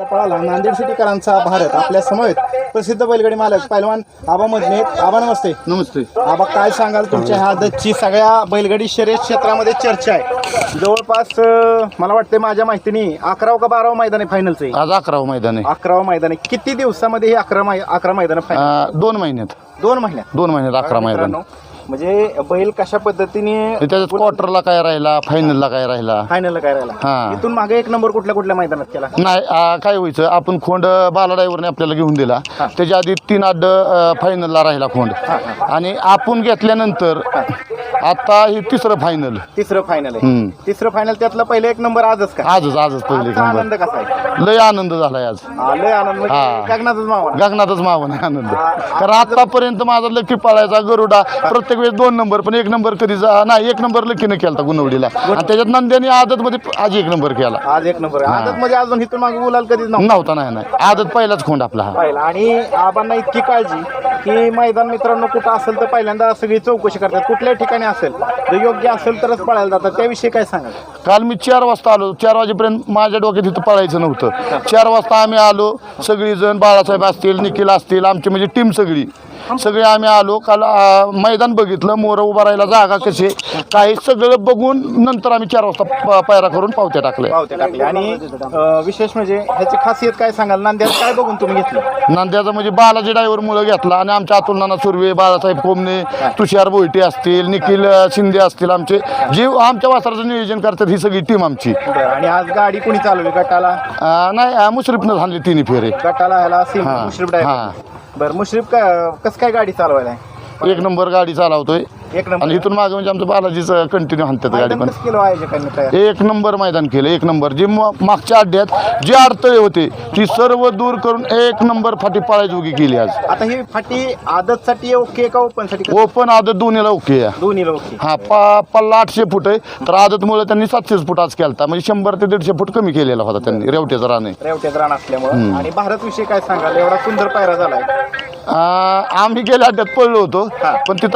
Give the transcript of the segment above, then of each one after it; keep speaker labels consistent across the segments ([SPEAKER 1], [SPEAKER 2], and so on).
[SPEAKER 1] पळाला नांदेड सिटीकरांचा भारत आपल्या समवेत प्रसिद्ध बैलगाडी मालक पैलवान आबा मधने. आबा नमस्ते.
[SPEAKER 2] नमस्ते.
[SPEAKER 1] आबा काय सांगाल तुमच्या ह्या आदतची सगळ्या बैलगाडी शर्यत क्षेत्रामध्ये चर्चा आहे. जवळपास मला वाटतं माझ्या माहितीने 11 का 12 मैदान आहे फायनलचं.
[SPEAKER 2] आज 11 मैदान आहे.
[SPEAKER 1] 11 मैदान आहे. किती दिवसामध्ये हे 11 मैदान फायनल?
[SPEAKER 2] 2 महिन्यात.
[SPEAKER 1] 2 महिन्यात
[SPEAKER 2] 2 महिन्यात 11 मैदान.
[SPEAKER 1] म्हणजे बैल कशा पद्धतीने
[SPEAKER 2] त्याच्यात क्वार्टरला काय राहिला, फायनलला काय राहिला,
[SPEAKER 1] फायनलला काय राहिला,
[SPEAKER 2] हा.
[SPEAKER 1] इथून मागे एक नंबर कुठल्या मैदानात केला?
[SPEAKER 2] नाही काय व्हायचं, आपण खोंड बाला ड्रायव्हरने आपल्याला घेऊन दिला. त्याच्या आधी 3 अड्ड फायनलला राहिला खोंड. आणि आपण घेतल्यानंतर आता हे तिसरं फायनल आहे. तिसरं फायनल त्यातलं पहिले एक नंबर आजच का? आजच पहिले एक नंबर.
[SPEAKER 1] आनंद कसा आहे?
[SPEAKER 2] लय आनंद झालाय आज.
[SPEAKER 1] लय आनंद म्हणजे गगनातच मावा.
[SPEAKER 2] गगनातच मावन आनंद. कारण आतापर्यंत माझा लकी पाळायचा गरुडा प्रत्येक वेळेस 2 नंबर, पण 1 नंबर कधी नाही 1 नंबर लकीनं केला गुणवडीला. आणि त्याच्यात नंद्याने आदत मध्ये आज 1 नंबर केला.
[SPEAKER 1] आज 1 नंबर आदत मध्ये अजून इथून मागे बोलाल कधीच
[SPEAKER 2] नव्हता. नाही आदत पहिलाच खोंड आपला हा
[SPEAKER 1] पहिला. आणि आबांना इतकी काळजी की मैदान मित्रांनो कुठं असेल तर पहिल्यांदा सगळी चौकशी करतात. कुठल्याही ठिकाणी असेल तर योग्य असेल तरच पळायला जातात. त्याविषयी काय सांगाल?
[SPEAKER 2] काल मी 4 वाजता आलो. 4 वाजेपर्यंत माझ्या डोक्यात इथं पळायचं नव्हतं. 4 वाजता आम्ही आलो. सगळीजण बाळासाहेब असतील, निखिल असतील, आमची म्हणजे टीम सगळी आम्ही आलो. काल मैदान बघितलं, मोरं उभा राहायला जागा कशी काही सगळं बघून नंतर आम्ही 4 वाजता पायरा करून पावत्या टाकल्या.
[SPEAKER 1] आणि विशेष म्हणजे ह्याची खासियत काय सांगाल? नांद्यात काय बघून तुम्ही घेतलं?
[SPEAKER 2] नांद्याचं म्हणजे बालाजी ड्रायव्हर मुलं घेतला. आणि आमच्या अतुल नाना सुर्वे, बाळासाहेब कोमने, तुषार बोईटे असतील, निखिल शिंदे असतील, आमचे जे आमच्या वासराचं नियोजन करतात ही सगळी टीम आमची.
[SPEAKER 1] आणि आज गाडी कोणी चालवली? गटाला
[SPEAKER 2] नाही मुश्रीफनं झाली 3 फेरे.
[SPEAKER 1] गटाला ह्याला मुश्रीफ ड्रायव्हर. बरं, मुश्रीफ कसं काय गाडी चालवायला आहे?
[SPEAKER 2] 1 नंबर गाडी चालवतोय.
[SPEAKER 1] 1 नंबर.
[SPEAKER 2] आणि इथून मागे म्हणजे आमचं बालाजीचं कंटिन्यू हाणतात गाडी. पण
[SPEAKER 1] किलो आहे
[SPEAKER 2] 1 नंबर मैदान केलं. 1 नंबर जे मागच्या अड्ड्यात जी अडथळे होते ती सर्व दूर करून 1 नंबर फाटी पाळायची उगी केली आज.
[SPEAKER 1] आता ही फाटी आदतसाठी ओके का ओपन साठी?
[SPEAKER 2] ओपन आदत दोन्हीला ओके आहे.
[SPEAKER 1] दोन्हीला ओके.
[SPEAKER 2] हा पल्ला 800 फूट आहे. तर आदतमुळे त्यांनी 700 फूट आज केला. म्हणजे 100 ते 150 फूट कमी केलेला होता त्यांनी रेवट्याचा रान
[SPEAKER 1] असल्यामुळे. आणि भारत विषयी काय सांगाल? एवढा सुंदर पायरा झालाय.
[SPEAKER 2] आम्ही गेल्या अड्ड्यात पडलो होतो. पण तिथं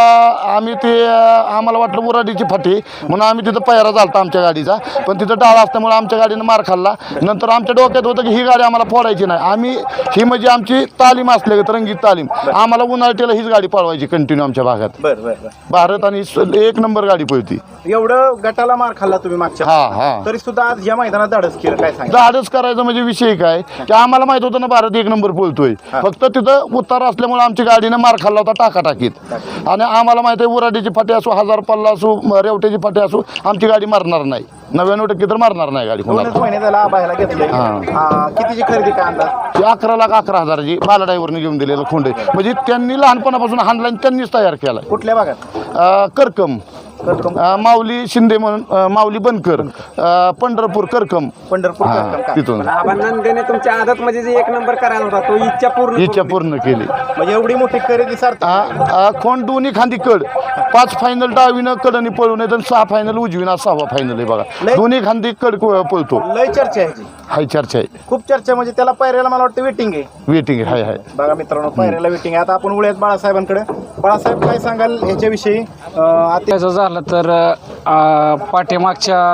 [SPEAKER 2] आम्हाला वाटलं मुराडीची फाटी म्हणून आम्ही तिथं पायरा झालता आमच्या गाडीचा. पण तिथं डाळ असल्यामुळे आमच्या गाडीनं मार खाल्ला. नंतर आमच्या डोक्यात होतं की ही गाडी आम्हाला फोडायची नाही. ही म्हणजे आमची तालीम असल्या रंगीत तालीम. आम्हाला उन्हाळ्याला हीच गाडी पळवायची कंटिन्यू आमच्या भागात. भारत आणि 1 नंबर गाडी पळती.
[SPEAKER 1] एवढं गटाला मार खाल्ला तुम्ही मागच्या, तरी सुद्धा आज या मैदानात धाडस केलं. काय सांगा?
[SPEAKER 2] धाडस करायचं म्हणजे विषय काय की आम्हाला माहित होतं ना भारत 1 नंबर पळतोय. फक्त तिथं उतार असल्यामुळे आमची गाडीनं मार खाल्ला होता टाकाटाकीत. आणि आम्हाला माहित आहे उराडीची फाटी असो, 1000 पल्ला असो, रेवट्याची फाटी असो, आमची गाडी मारणार नाही. 99% तर मारणार नाही गाडी.
[SPEAKER 1] 2 महिने झाला आबायला घेतलंय. कितीची खरेदी काय अंदाज?
[SPEAKER 2] 11,11,000ची बाला ड्रायव्हरने घेऊन दिलेलं खोंड आहे. म्हणजे त्यांनी लहानपणापासून हाणला आणि त्यांनीच तयार केला.
[SPEAKER 1] कुठल्या भागात?
[SPEAKER 2] करकम, माऊली शिंदे म्हणून, माऊली बनकर, पंढरपूर करकम. तिथून
[SPEAKER 3] नंदेने तुमच्या आदत मध्ये 1 नंबर करायला होता तो इच्छा पूर्ण
[SPEAKER 2] केली.
[SPEAKER 1] म्हणजे एवढी मोठी खरेदी सार्थक.
[SPEAKER 2] खोंड दोन्ही खांदी कड. 5 फायनल डावीनं कडनी पळून येत आणि 6 फायनल उजवीनं 6वा फायनल आहे बघा. दोन्ही खांदी कड पळतो.
[SPEAKER 1] लय चर्चा आहे.
[SPEAKER 2] हाय चर्चा आहे,
[SPEAKER 1] खूप चर्चा. म्हणजे त्याला पायऱ्याला मला वाटतं वेटिंग आहे.
[SPEAKER 2] हाय
[SPEAKER 1] बघा मित्रांनो, पायऱ्याला वेटिंग आहे. आता आपण वळूयात बाळासाहेबांकडे. बाळासाहेब काय सांगाल ह्याच्याविषयी?
[SPEAKER 3] त्याचं झालं तर पाठीमागच्या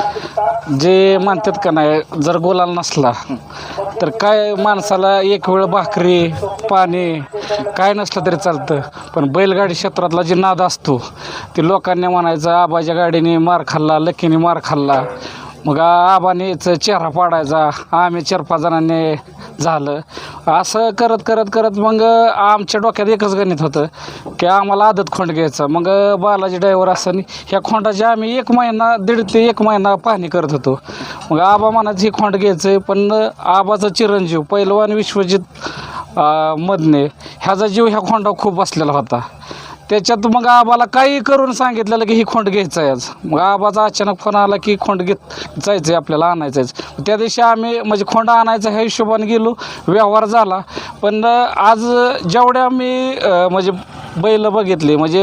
[SPEAKER 3] जे म्हणतात का नाही, जर गोलाल नसला तर काय माणसाला एक वेळ भाकरी पाणी काय नसलं तरी चालतं. पण बैलगाडी क्षेत्रातला जे नाद असतो ते लोकांनी म्हणायचं आबाच्या गाडीने मार खाल्ला, लकीने मार खाल्ला. मग आबानेच चेहरा पाडायचा, आम्ही 4-5 जणांनी झालं. असं करत मग आमच्या डोक्यात एकच गणित होतं की आम्हाला आदत खोंड घ्यायचा. मग बालाजी ड्रायव्हर असं ह्या खोंडाची आम्ही 1 महिना 1.5 ते 1 महिना पाहणी करत होतो. मग आबा म्हणायचं ही खोंड घ्यायचं आहे. पण आबाचा चिरंजीव पैलवान विश्वजित मधने ह्याचा जीव ह्या खोंडावर खूप बसलेला होता. त्याच्यात मग आबाला काही करून सांगितलेलं की ही खोंड घ्यायचं आहे आज. मग आबाचा अचानक फोन आला की खोंड जायचं आहे आपल्याला, आणायचं आहे. त्या दिवशी आम्ही म्हणजे खोंड आणायचं ह्या हिशोबाने गेलो, व्यवहार झाला. पण आज जेवढ्या मी म्हणजे बैल बघितले, म्हणजे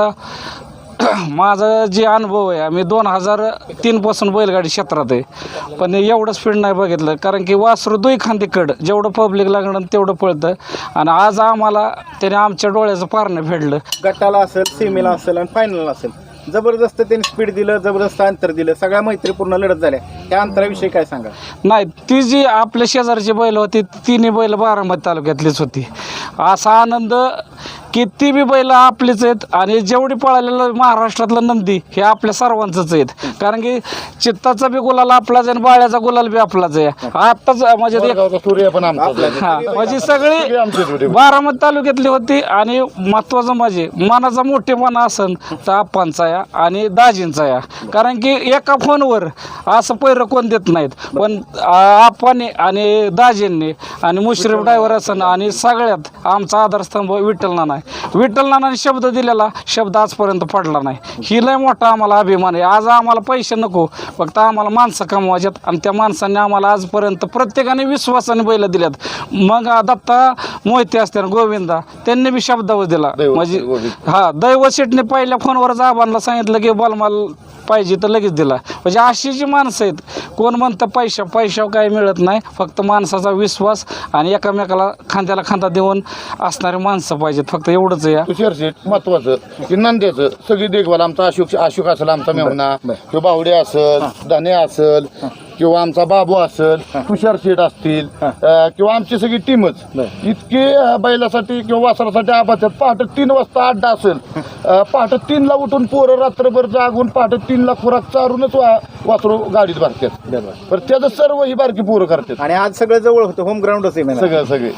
[SPEAKER 3] माझा जे अनुभव आहे, आम्ही 2003 पासून बैलगाडी क्षेत्रात आहे. पण एवढं स्पीड नाही बघितलं. कारण की वासरू 2 खांदी कड जेवढं पब्लिक लागणं तेवढं पळतं. आणि आज आम्हाला त्याने आमच्या डोळ्याचं पारणं फेडलं.
[SPEAKER 1] गटाला असेल, सेमीला असेल आणि फायनल असेल, जबरदस्त त्यांनी स्पीड दिलं, जबरदस्त अंतर दिलं, सगळ्या मैत्रीपूर्ण लढत झाल्या. त्या अंतराविषयी काय सांगा?
[SPEAKER 3] नाही, ती जी आपल्या शेजारची बैल होती तिन्ही बैल बारामती तालुक्यातलीच होती. असा आनंद की ती बी बैल आपलीच आहेत आणि जेवढी पळालेलं महाराष्ट्रातलं नंदी हे आपल्या सर्वांचंच आहेत. कारण की चित्ताचा बी गुलाल आपलाच आहे आणि बाळ्याचा गुलाल बी आपलाच आहे. आताच म्हणजे
[SPEAKER 2] सूर्य पण आमचा
[SPEAKER 3] हा म्हणजे सगळी बारामती तालुक्यातली होती. आणि महत्वाचं म्हणजे मनाचा मोठेपणा असन तर आप्पांचा या आणि दाजींचा या. कारण की एका फोनवर असं पैर कोण देत नाहीत, पण आप्पाने आणि दाजींनी आणि मुश्रीफ ड्रायव्हर असन आणि सगळ्यात आमचा आधारस्तंभ विठ्ठल नाना आहे. विठ्ठल नानाने शब्द दिलेला शब्द आजपर्यंत पडला नाही. ही लय मोठा आम्हाला अभिमान आहे. आज आम्हाला पैसे नको, फक्त आम्हाला माणसं कमवायच्यात आणि त्या माणसांनी आम्हाला आजपर्यंत प्रत्येकाने विश्वासाने बैल दिल्यात. मग दत्ता मोहिते असते गोविंदा त्यांनी बी शब्दावर दिला. म्हणजे हा दैवत शेटने पहिल्या फोनवरच आबांना सांगितलं की बलमाल पाहिजे तर लगेच दिला. म्हणजे अशी जी माणसं आहेत, कोण म्हणतं पैशावर काही मिळत नाही, फक्त माणसाचा विश्वास आणि एकमेकाला खांद्याला खांदा देऊन असणारी माणसं पाहिजेत, फक्त एवढंच आहे.
[SPEAKER 2] तुषार शेठ महत्वाचं की नंद्याचं सगळी देखभाल आमचा अशोक असेल, आमचा मेहना किंवा बावडे असेल, धने असेल किंवा आमचा बाबू असेल, तुषार शेठ असतील किंवा आमची सगळी टीमच इतके बैलासाठी किंवा वासरासाठी आबाच्यात. पहाटे 3 वाजता अड्डा असेल, पहाटे 3ला उठून पोरं रात्रभर जागून पहाटे 3ला खुराक चारूनच वासरू गाडीत भरतात. पण त्याचं सर्व ही बारकी पोरं करतात.
[SPEAKER 1] आणि आज सगळं जवळ होतं, होम ग्राउंडच आहे
[SPEAKER 2] सगळे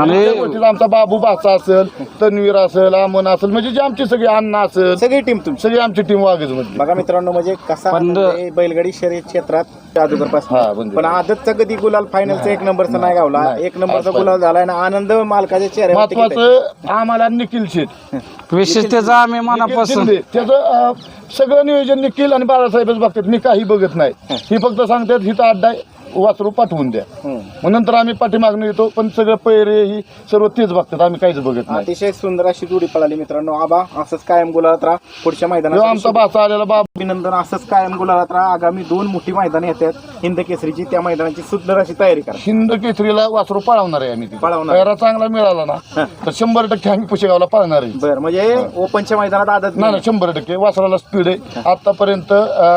[SPEAKER 3] आणि
[SPEAKER 2] आमचा बाबू भाचा असेल, तन्वीर असेल, अमन असेल, म्हणजे जे आमची सगळी अण्णा असेल,
[SPEAKER 1] सगळी टीम तुमची.
[SPEAKER 2] सगळी आमची टीम वागेच मध्ये.
[SPEAKER 1] बघा मित्रांनो, म्हणजे कसा आनंद आहे बैलगाडी शर्यत क्षेत्रात जादूगर पासून. पण आदतचा कधी गुलाल फायनलचा 1 नंबरचा नाही गावला, 1 नंबरचा गुलाल झाला आणि आनंद मालकाच्या चेहऱ्यावर.
[SPEAKER 2] महत्वाचं आम्हाला निखिल शेठ
[SPEAKER 3] विशेष त्याचा आम्ही मनापासून
[SPEAKER 2] त्याचं सगळं नियोजन निखिल आणि बाळासाहेबच बघतात. मी काही बघत नाही, ही फक्त सांगतात हिथं अड्डा वासरू पाठवून द्या, मग नंतर आम्ही पाठीमागणं येतो. पण सगळं पैरे ही सर्व तेच बघतात, आम्ही काहीच बघत नाही.
[SPEAKER 1] अतिशय सुंदर अशी जोडी पळाली मित्रांनो. आबा असंच कायम गुलालात राहा. पुढच्या मैदानात
[SPEAKER 2] आमचा भाचा आलेला बाबू
[SPEAKER 1] अभिनंदन. असंच कायम गुलालात राहा. आगामी 2 मोठी मैदान येतात हिंद केसरीची, त्या मैदानाची सुंदर अशी तयारी करा.
[SPEAKER 2] हिंद केसरीला वासरू पळवणार आहे आम्ही.
[SPEAKER 1] पळवणार.
[SPEAKER 2] पैरा चांगला मिळाला ना तर 100% आम्ही पुशेगावला पळणार आहे.
[SPEAKER 1] बरं, म्हणजे ओपनच्या मैदानात आदत
[SPEAKER 2] नाही 100% वासराला स्पीड आहे. आतापर्यंत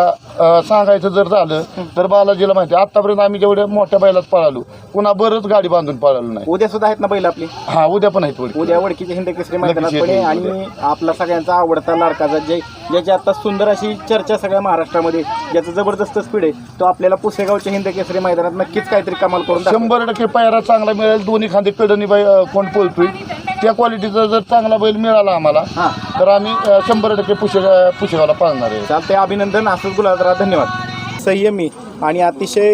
[SPEAKER 2] सांगायचं जर झालं तर बालाजीला माहिती आहे, आतापर्यंत आम्ही जेवढ्या मोठ्या बैलात पळालो पुन्हा बरंच गाडी बांधून पळालो नाही.
[SPEAKER 1] उद्या सुद्धा आहेत ना बैल आपली?
[SPEAKER 2] हा उद्या पण आहेत.
[SPEAKER 1] उद्या वडकीच्या हिंद केसरी मैदानात पण आहे. आणि आपला सगळ्यांचा आवडता लाडकाचा ज्याची आता सुंदर अशी चर्चा सगळ्या महाराष्ट्रामध्ये, ज्याचं जबरदस्त स्पीड आहे, तो आपल्याला पुसेगावच्या हिंद केसरी मैदानात नक्कीच काहीतरी कमाल करून
[SPEAKER 2] 100% पायरा चांगला मिळेल. दोन्ही खांदे कडनी कोण पळतोय त्या क्वालिटीचा जर चांगला बैल मिळाला आम्हाला तर आम्ही 100% पुशेगावला पाळणार आहे.
[SPEAKER 1] चालते. अभिनंदन. असंच गुलाबराव. धन्यवाद. संयमी आणि अतिशय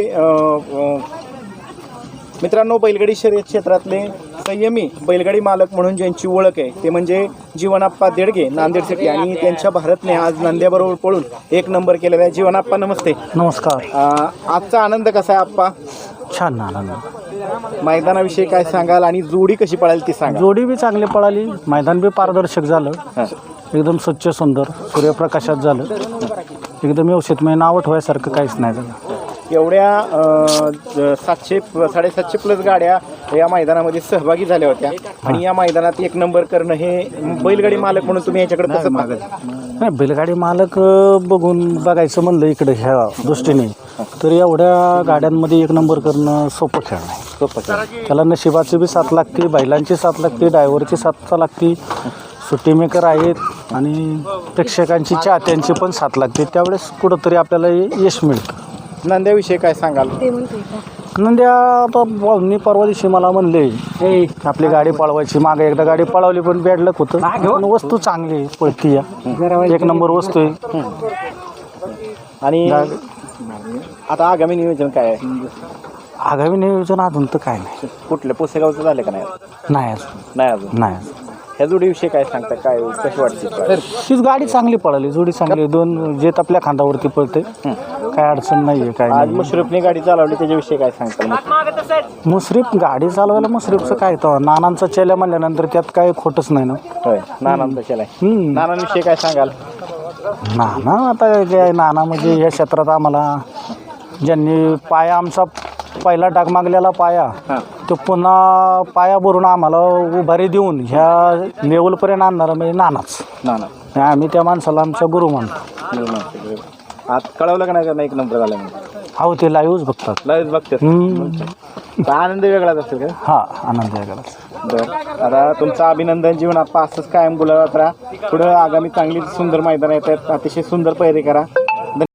[SPEAKER 1] मित्रांनो, बैलगाडी शर्यत क्षेत्रातले संयमी बैलगाडी मालक म्हणून ज्यांची ओळख आहे ते म्हणजे जीवनाप्पा देडगे, नांदेड सिटी. आणि त्यांच्या भारतने आज नांद्याबरोबर पळून 1 नंबर केलेला आहे. जीवनाप्पा नमस्ते.
[SPEAKER 4] नमस्कार.
[SPEAKER 1] आजचा आनंद कसा आहे आप्पा?
[SPEAKER 4] छान आनंद.
[SPEAKER 1] मैदानाविषयी काय सांगाल आणि जोडी कशी पळाली ती सांगा.
[SPEAKER 4] जोडी बी चांगली पळाली, मैदान बी पारदर्शक झालं, एकदम स्वच्छ सुंदर सूर्यप्रकाशात झालं, एकदम व्यवस्थित. मी नाव ठेवायसारखं काहीच नाही झालं.
[SPEAKER 1] एवढ्या 700-750 प्लस गाड्या या मैदानामध्ये सहभागी झाल्या होत्या आणि या मैदानात 1 नंबर करणं हे बैलगाडी मालक म्हणून तुम्ही याच्याकडे कसं मागत?
[SPEAKER 4] नाही, बैलगाडी मालक बघायचं म्हणलं इकडे ह्या दृष्टीने तर एवढ्या गाड्यांमध्ये 1 नंबर करणं सोपं खेळ नाही. त्याला नशिबाची बी साथ लागते, बैलांची साथ लागते, ड्रायव्हरची साथ लागते, सुट्टी मेकर आहेत आणि प्रेक्षकांची चाहत्यांची पण साथ लागते. त्यावेळेस कुठंतरी आपल्याला यश मिळतं.
[SPEAKER 1] नंद्याविषयी काय सांगाल?
[SPEAKER 4] नंद्या आता मी परवा दिवशी मला म्हणले आपली गाडी पळवायची. मागे एकदा गाडी पळवली पण बॅड लक होतं, पण वस्तू चांगली पळती, 1 नंबर वस्तू आहे.
[SPEAKER 1] आणि आता आगामी नियोजन काय आहे?
[SPEAKER 4] आगामी नियोजन अजून तर काय नाही.
[SPEAKER 1] कुठलं पुसेगावचं झालं का नाही?
[SPEAKER 4] नाही
[SPEAKER 1] अजून
[SPEAKER 4] नाही.
[SPEAKER 1] ह्या जोडीविषयी काय सांगता? काय कशी वाटते?
[SPEAKER 4] हीच गाडी चांगली पळाली, जोडी चांगली, 2 जेत आपल्या खांदावरती पळते, काय अडचण नाही आहे. काय
[SPEAKER 1] आज मुश्रीफने गाडी चालवली त्याच्याविषयी काय सांगता?
[SPEAKER 4] मुश्रीफ गाडी चालवायला मुश्रीफचं काय तर नानांचा चेल्या म्हणल्यानंतर त्यात काय खोटंच नाही ना.
[SPEAKER 1] होय, नानांचा केलाय. नानांविषयी काय सांगाल?
[SPEAKER 4] नाना आता काय, नाना म्हणजे या क्षेत्रात आम्हाला ज्यांनी पाया आमचा पहिला डागमागलेला पाया तो पुन्हा पाया भरून आम्हाला उभारी देऊन ह्या लेवलपर्यंत आणणारा म्हणजे नानाच. आणि आम्ही त्या माणसाला आमचा गुरु मानतो.
[SPEAKER 1] आज कळवलं का नाही त्यांना एक नंबर झाला म्हणून?
[SPEAKER 4] हो ते लाईव्हच बघतात.
[SPEAKER 1] लयच बघतात. तर आनंद वेगळाच असेल का?
[SPEAKER 4] हा आनंद आहे गलाच.
[SPEAKER 1] बरं, आता तुमचं अभिनंदन. जीवन आप्पा असंच कायम गुलाबात राहा. पुढं आगामी चांगली सुंदर मैदान येत आहेत. अतिशय सुंदर पैरे करा.